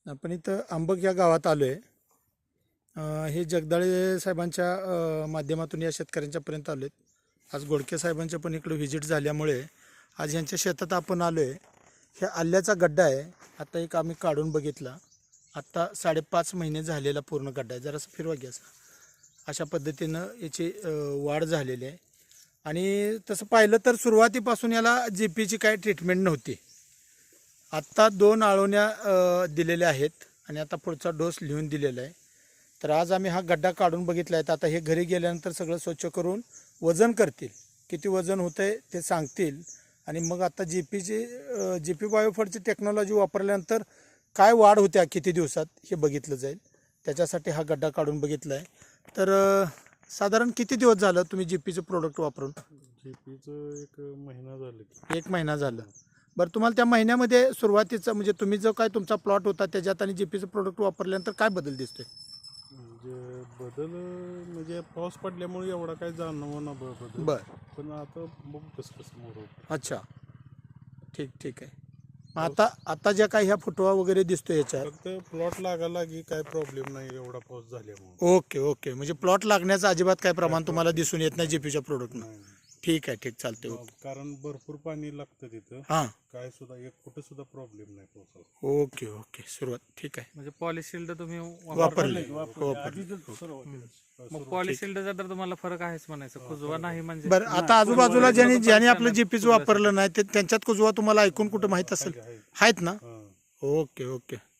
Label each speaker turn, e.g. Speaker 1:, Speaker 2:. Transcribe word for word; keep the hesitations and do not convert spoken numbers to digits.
Speaker 1: आपण इथं आंबक या गावात आलो आहे. हे जगदाळे साहेबांच्या अ, माध्यमातून या शेतकऱ्यांच्यापर्यंत आलो आहेत. आज गोडके साहेबांच्या पण इकडे व्हिजिट झाल्यामुळे आज यांच्या शेतात आपण आलो आहे. हे आल्याचा गड्डा आहे. आता एक आम्ही काढून बघितला. आत्ता साडेपाच महिने झालेला पूर्ण गड्डा आहे. जरासं फिरवा घ्या. अशा पद्धतीनं याची अ, वाढ झालेली आहे. आणि तसं पाहिलं तर सुरुवातीपासून याला जी पीची काही ट्रीटमेंट नव्हती. आत्ता दोन आळवण्या अ, दिलेल्या आहेत आणि आता पुढचा डोस लिहून दिलेला आहे. तर आज आम्ही हा गड्डा काढून बघितला आहे. आता हे घरी गेल्यानंतर सगळं स्वच्छ करून वजन करतील. किती वजन होतं आहे ते सांगतील. आणि मग आता जी पीची जी पी बायोफडची टेक्नॉलॉजी वापरल्यानंतर काय वाढ होत्या किती दिवसात हे बघितलं जाईल. त्याच्यासाठी हा गड्डा काढून बघितला आहे. तर अ, साधारण किती दिवस झालं तुम्ही जी पीचं प्रोडक्ट वापरून?
Speaker 2: जी पीचं एक महिना झाला.
Speaker 1: एक महिना झालं. बरं, तुम्हाला त्या महिन्यामध्ये सुरुवातीचं म्हणजे तुम्ही जो काय तुमचा प्लॉट होता त्याच्यात आणि जी पीचं प्रोडक्ट वापरल्यानंतर काय बदल दिसतोय?
Speaker 2: म्हणजे बदल म्हणजे पाऊस पडल्यामुळे एवढा काय जाणवं ना बदल.
Speaker 1: बरं.
Speaker 2: पण आता बघू कसं कसं मोर.
Speaker 1: अच्छा, ठीक ठीक आहे. मग आता आता ज्या काही ह्या फुटवा वगैरे दिसतोय याच्यात,
Speaker 2: फक्त प्लॉट लागायला की काय प्रॉब्लेम नाही एवढा पाऊस झाल्यामुळे.
Speaker 1: ओके ओके, म्हणजे प्लॉट लागण्याचं अजिबात काय प्रमाण तुम्हाला दिसून येत नाही जीपीच्या प्रोडक्टनं?
Speaker 2: नाही,
Speaker 1: ठीक आहे, ठीक, चालते. ओके.
Speaker 2: कारण भरपूर पाणी लागतं तिथं.
Speaker 1: हां,
Speaker 2: काय सुद्धा एक कुठं सुद्धा प्रॉब्लेम नाही पावसाचा.
Speaker 1: ओके ओके, सुरुवात ठीक आहे.
Speaker 3: म्हणजे पॉलिशिल्ड तुम्ही
Speaker 1: वापरले
Speaker 3: वापरले. मग पॉलिशिल्डचा तर तुम्हाला फरक आहेच म्हणायचं, कुजवा नाही म्हणजे.
Speaker 1: बरं, आता आजूबाजूला ज्यांनी ज्यांनी आपलं जीपीचं वापरलं नाही ते त्यांच्यात कुजवा तुम्हाला ऐकून कुठं माहीत असेल? आहेत ना?
Speaker 2: हां.
Speaker 1: Okay okay.